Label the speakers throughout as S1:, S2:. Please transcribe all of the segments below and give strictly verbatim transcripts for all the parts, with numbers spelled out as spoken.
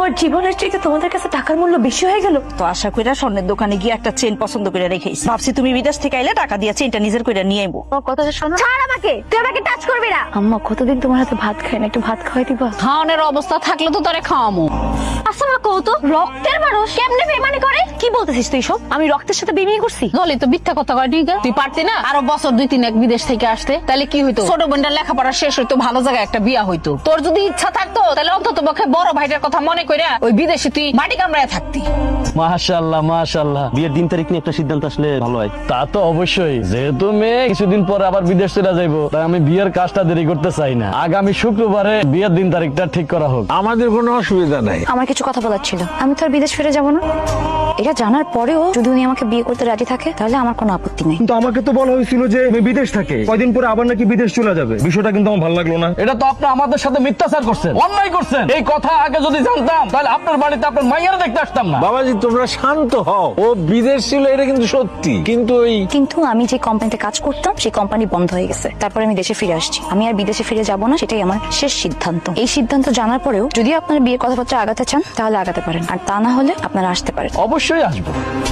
S1: আমার জীবনের চাইতে তোমাদের কাছে টাকার মূল্য বেশি হয়ে গেল।
S2: তো আশা কইরা স্বর্ণের দোকানে গিয়ে একটা চেন পছন্দ করে রেখেছি, ভাবছি তুমি বিদেশ থেকে আইলে টাকা দিয়ে চেনটা নিজের করে নিয়ে আইবো।
S1: কথা শোনো, ছাড় আমাকে, তুই আমাকে টাচ করবি না। আম্মা কতদিন তোমার হাতে ভাত খাই না, একটু ভাত খাওয়াই দিবা?
S3: খাওয়ানোর অবস্থা থাকলে তো তোরে খাওয়ামো।
S1: আচ্ছা মা, কত রক্তের মানুষ কেমনে বেইমানি করে? কি বলতেছিস তুই সব? আমি রক্তের সাথে বেইমানি করছি?
S3: দলি তো মিথ্যা কথা কয় ঠিক। তুই পারতি না আরো বছর দুই তিন এক বিদেশ থেকে আসতে, তাহলে কি হইতো? ছোট বোনটার লেখাপড়া শেষ হইতো, ভালো জায়গায় একটা বিয়া হইতো। তোর যদি ইচ্ছা থাকতো তাহলে অন্তত পক্ষে বড় ভাইটার কথা মনে কইরা ওই বিদেশে তুই মাটি কামড়ায় থাকতি।
S4: মাশাআল্লাহ মাশাআল্লাহ, বিয়ের দিন তারিখ নিয়ে একটা সিদ্ধান্ত আসলে ভালো হয়। তা তো অবশ্যই, যেহেতু মেয়ে কিছুদিন পরে আবার বিদেশ চলে যাইবো, তাই আমি বিয়ের কাজটা দেরি করতে চাই না। আগামী শুক্রবারে বিয়ের দিন তারিখটা ঠিক করা হোক।
S5: আমাদের কোনো অসুবিধা নাই।
S1: আমার কিছু কথা বলার ছিল। আমি তো আর বিদেশ ফিরে যাবো না। এটা জানার পরেও যদি উনি আমাকে বিয়ে করতে রাজি থাকে তাহলে আমার কোনো আপত্তি নেই।
S6: কিন্তু আমাকে তো বলা হয়েছিল যে আমি বিদেশ থাকে, কয়দিন পরে আবার নাকি বিদেশ চলে যাবে। বিষয়টা কিন্তু আমার ভালো লাগলো না।
S4: এটা তো আপনি আমাদের সাথে মিথ্যাচার করছেন, অন্যায় করছেন। এই কথা আগে যদি জানতাম তাহলে আপনার বাড়িতে আপনার মাইয়ারা দেখতে আসতাম না।
S5: বাবাজি তোমরা শান্ত হও, ও বিদেশ ছিল এটা কিন্তু সত্যি, কিন্তু ওই
S1: কিন্তু আমি যে কোম্পানিতে কাজ করতাম সেই কোম্পানি বন্ধ হয়ে গেছে। তারপরে আমি দেশে ফিরে আসছি। আমি আর বিদেশে ফিরে যাব না, সেটাই আমার শেষ সিদ্ধান্ত। এই সিদ্ধান্ত জানার পরেও যদি আপনার বিয়ের কথাবার্তা আগাতে চান তাহলে আগাতে পারেন, আর তা না হলে আপনারা আসতে পারেন।
S4: অবশ্যই আসবো।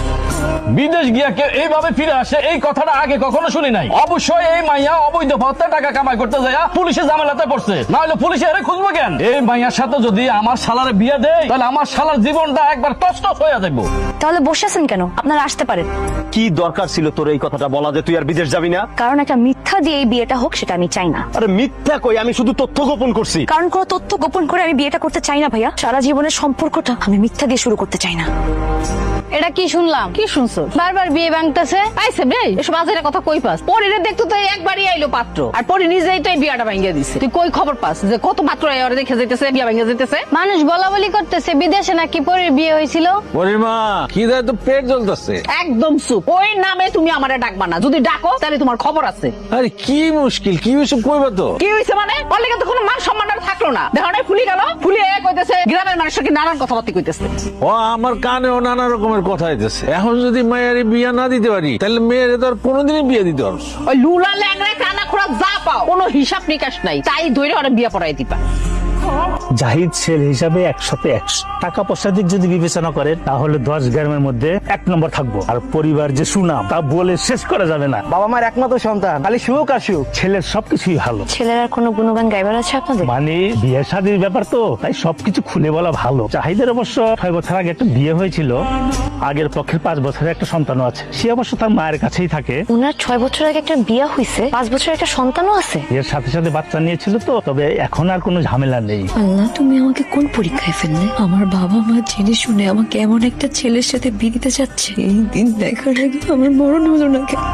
S4: বিদেশ গিয়া কেউ এইভাবে ফিরে আসে এই কথাটা আগে কখনো শুনি নাই। অবশ্যই এই মাইয়া অবৈধ পথে টাকা কামাই করতে যায় পুলিশে ঝামেলাতে পড়ছে, না হলে পুলিশে এর খুঁজবো কেন? এই মাইয়ার সাথে যদি আমার শালারে বিয়ে দেয় তাহলে আমার শালার জীবনটা একবার তছনছ হয়ে যাবে।
S1: তাহলে বসে আছেন কেন? আপনারা আসতে পারেন।
S4: কি দরকার ছিল তোর এই কথাটা বলা যে তুই আর বিদেশ যাবি না?
S1: কারণ একটা মিথ্যা দিয়ে এই বিয়েটা হোক সেটা আমি চাই না।
S4: আরে মিথ্যা কই, আমি শুধু তথ্য গোপন করছি।
S1: কারণ কোনো তথ্য গোপন করে আমি বিয়েটা করতে চাই না ভাইয়া। সারা জীবনের সম্পর্কটা আমি মিথ্যা দিয়ে শুরু করতে চাই না।
S3: এটা কি শুনলাম? কি শুনছো? বারবার বিয়ে ভাঙতেছে আইছে বে, এসব আজের কথা কই পাস? পরিরে দেখতো তো একবারই আইলো পাত্র, আর পরি নিজেই তো এই বিয়াটা ভাঙিয়ে দিছে। তুই কই খবর পাস যে কত পাত্র আইরে দেখে যাইতেছে বিয়া ভাঙিয়ে যাইতেছে?
S7: মানুষ বলা বলি করতেছে বিদেশে নাকি পরির বিয়ে হয়েছিল।
S5: পরিমা কি দেয় তো পেট জ্বলতেছে।
S3: একদম চুপ, ওই নামে তুমি আমারে ডাকবা না। যদি ডাকো তাহলে তোমার খবর আছে।
S5: আরে কি মুশকিল, কি হইছে কইবা তো?
S3: কি হইছে মানে? বললে কিন্তু কোনো মান সম্মান আর থাকলো না। দেখো না ফুলি গেল, ফুলি এ কইতেছে গ্রামের মানুষকে নানান কথাবার্তা কইতেছে।
S5: ও আমার কানেও নানা রকমের কথা হইতেছে। এখন যদি মায়ের বিয়া না দিতে পারি তাহলে মেয়ের তো আর কোনোদিনই বিয়ে দিতে পারবো।
S3: ওই লুলা ল্যাংড়া কানা খোড়া যা পাও কোনো হিসাব নিকাশ নাই, তাই ধরে ওরা বিয়া পড়াই দিবা।
S8: জাহিদ ছেলে হিসাবে একসাথে একশো টাকা পয়সা দিক যদি বিবেচনা করে তাহলে দশ গ্রামের মধ্যে এক নম্বর থাকবো। আর পরিবার যে সুনাম তা বলে শেষ করা যাবে না।
S6: বাবা মার একমাত্র সন্তান, খালি সুখ আর সুখ।
S8: ছেলের সবকিছুই ভালো।
S1: ছেলের আর কোনো গুণগান গাইবার আছে আপনাদের?
S8: মানে বিয়ে শাদীর ব্যাপার তো, তাই সবকিছু খুলে বলা ভালো। জাহিদের অবশ্য ছয় বছর আগে একটা বিয়ে হয়েছিল, আগের পক্ষের পাঁচ বছরের একটা সন্তানও আছে। সে অবশ্য তার মায়ের কাছেই থাকে।
S1: উনার ছয় বছর আগে একটা বিয়ে হয়েছে, পাঁচ বছর একটা সন্তানও আছে।
S8: এর সাথে সাথে বাচ্চা নিয়েছিল তো, তবে এখন আর কোনো ঝামেলা নেই।
S9: আল্লাহ, তুমি আমাকে কোন পরীক্ষায় ফেললে? আমার বাবা মা জেনে শুনে আমাকে এমন একটা ছেলের সাথে বিয়ে দিতে চাচ্ছে। এই দিন দেখার আগে আমার মরণ হলো না কেন?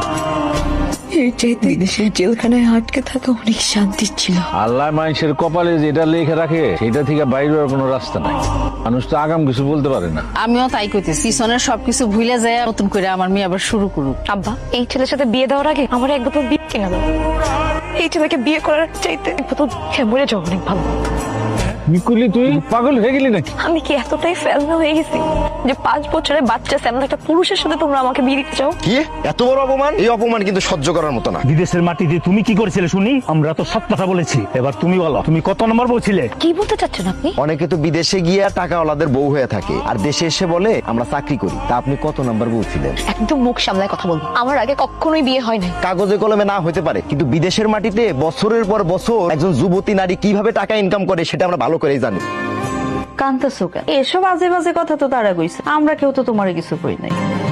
S9: এর চাইতে বিদেশের জেলখানায় আটকে থাকা অনেক শান্তি ছিল।
S5: আল্লাহ মানুষের কপালে যেটা লেখে রাখে সেটা থেকে বাইরে আর কোনো রাস্তা নাই। মানুষ তো আগাম কিছু বলতে পারে না।
S3: আমিও তাই কইতেছি, পিছনের সবকিছু ভুলে যায় নতুন করে আমার মেয়ে আবার শুরু করুক।
S1: আব্বা, এই ছেলের সাথে বিয়ে দেওয়ার আগে আমার এক বোতল বিয়ে কিনে দাও। এই ছেলেকে বিয়ে করার চাইতে এক বোতল খেয়ে মরে যাওয়া অনেক ভালো।
S5: নিকুলি তুই পাগল হয়ে গেলি নাকি?
S1: আমি কি এতটাই ফেলনা হয়ে গেছি যে পাঁচ বছরের বাচ্চা স্যামন একটা পুরুষের সাথে তোমরা আমাকে বিয়ে দিতে চাও?
S10: কি এত বড় অপমান? এই অপমান কিন্তু সহ্য করার মতো না।
S8: বিদেশের মাটিতে তুমি কি করেছিলে শুনি? আমরা তো সব কথা বলেছি, এবার তুমি বলো তুমি কত নম্বর বলছিলে?
S1: কি বলতে চাচ্ছেন আপনি?
S10: অনেকে তো বিদেশে গিয়ে টাকা ওলাদের বউ হয়ে থাকে, আর দেশে এসে বলে আমরা চাকরি করি। তা আপনি কত নাম্বার বলছিলেন?
S1: একদম মুখ সামলায় কথা বলবো। আমার আগে কখনোই বিয়ে হয় নাই।
S10: কাগজে কলমে না হতে পারে, কিন্তু বিদেশের মাটিতে বছরের পর বছর একজন যুবতী নারী কিভাবে টাকা ইনকাম করে সেটা আমরা ভালো করেই জানি।
S2: কান্তাসুকা এসব আজে বাজে কথা তো তারা কইছে, আমরা কেউ তো তোমার কিছু কই নাই।